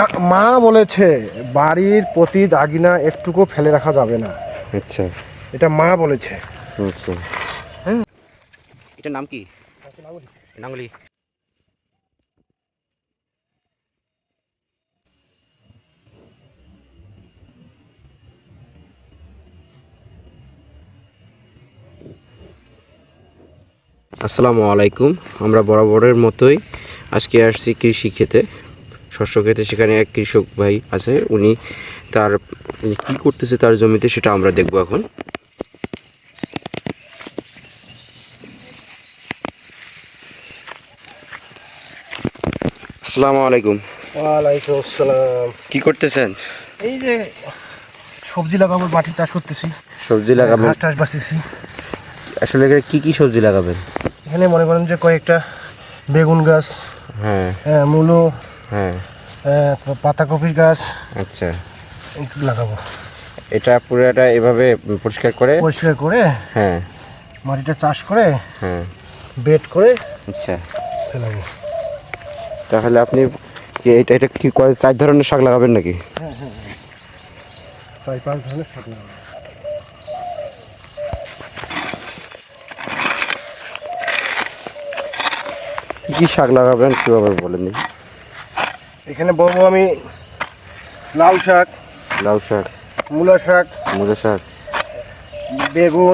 মা বলেছে বাড়ির প্রতি দাগিনা একটুকু ফেলে রাখা যাবে না। আচ্ছা এটা মা বলেছে। আচ্ছা। হ্যাঁ, এটার নাম কি? নাঙ্গলি। আসসালামু আলাইকুম। আমরা বরাবরের মতোই আজকে আসছি কৃষি ক্ষেতে, শস্য ক্ষেতে। সেখানে এক কৃষক ভাই আছে, উনি তার কি করতেছে তার জমিতে সেটা আমরা দেখব এখন। আসসালামু আলাইকুম। ওয়ালাইকুম আসসালাম। কি করতেছেন? এই যে সবজি লাগাবো, মাটি চাষ করতেছি, সবজি লাগাবেন? ঘাস টাস বাঁচতেছি। আসলে এখানে কি কি সবজি লাগাবেন? এখানে মনে করেন যে কয়েকটা বেগুন গাছ, হ্যাঁ মূলো, হ্যাঁ। পাতাকপির গাছ আচ্ছা, একটু লাগাবো। এটা পুরোটা এভাবে পরিষ্কার করে হ্যাঁ মাটিটা চাষ করে হ্যাঁ বেড করে আচ্ছা ফেলাবো। তাহলে আপনি এটা এটা কি 4 ধরনের শাক লাগাবেন নাকি? হ্যাঁ হ্যাঁ, 4-5 ধরনের শাক লাগাবো। কি কি শাক লাগাবেন একটু আবার বলেন দেখি। এখানে বলবো আমি লাউ শাক, লাউ শাক, মূলা শাক, মূলা শাক, বেগুন,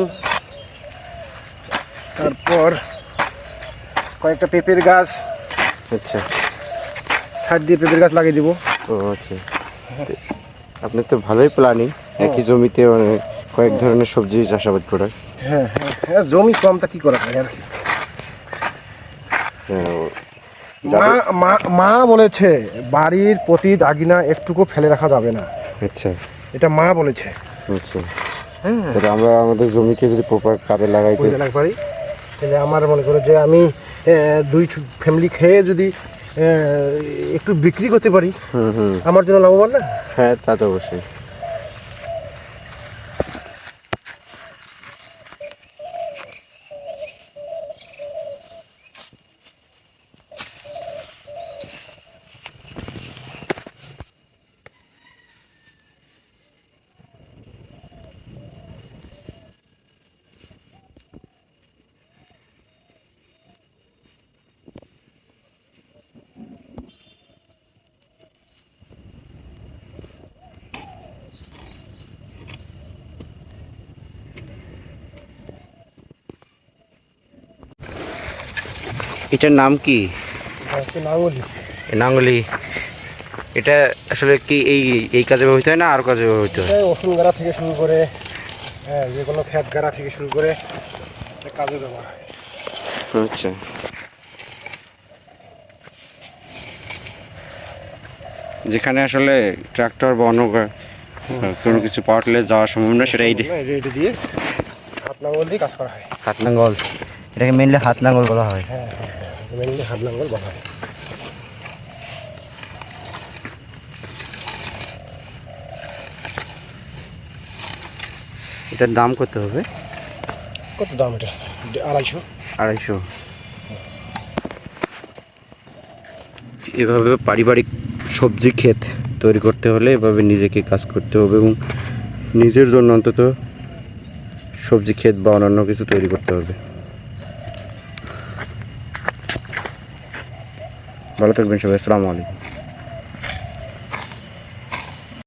তারপর কয়েকটা পেঁপের গাছ, আচ্ছা। সাইড দিয়ে পেঁপের গাছ লাগিয়ে দিব। ও আচ্ছা, আপনার তো ভালোই প্ল্যানিং, একই জমিতে অনেক কয়েক ধরনের সবজি চাষাবাদ করার। হ্যাঁ হ্যাঁ হ্যাঁ, জমি কম তা কি করা যায় আর কি। মা মা মা বলেছে বাড়ির প্রতি দাগিনা একটুকু ফেলে রাখা যাবে না। আচ্ছা এটা মা বলেছে। আচ্ছা। হ্যাঁ, তাহলে আমরা আমাদের জমিকে যদি প্রপার কাজে লাগাইতে পারি, তাহলে আমার মনে করো যে আমি 2 ফ্যামিলি খেয়ে যদি একটু বিক্রি করতে পারি, আমার জন্য লাভবান না? হ্যাঁ, তা তো অবশ্যই। এটার নাম কি? নাঙ্গলি। নাঙ্গলি। এটা আসলে কি এই এই কাজে ব্যবহৃত হয় না আর কাজে ব্যবহৃত হয়? ওষুধ গাড়া থেকে শুরু করে যে কোনো ক্ষেত গাড়া থেকে শুরু করে কাজে ব্যবহার হয়। আচ্ছা। যেখানে আসলে ট্রাক্টর বা অন্য কোনো কিছু পাওয়ার টিলার যাওয়া সম্ভব না, সেটা এটা দিয়ে হাত লাঙ্গল দিয়ে কাজ করা হয়। হাত লাঙ্গল, এটাকে মেনলি হাত লাঙ্গল বলা হয়। হ্যাঁ হ্যাঁ হ্যাঁ, মেনলি হাত লাঙ্গল বলা হয়। এটার দাম কত হবে? কত দাম এটা? 250। 250। এভাবে পারিবারিক সবজি ক্ষেত তৈরি করতে হলে এভাবে নিজেকে কাজ করতে হবে এবং নিজের জন্য অন্তত সবজি ক্ষেত বা অন্যান্য কিছু তৈরি করতে হবে। ভালো থাকবেন সবাই। আসসালামু আলাইকুম।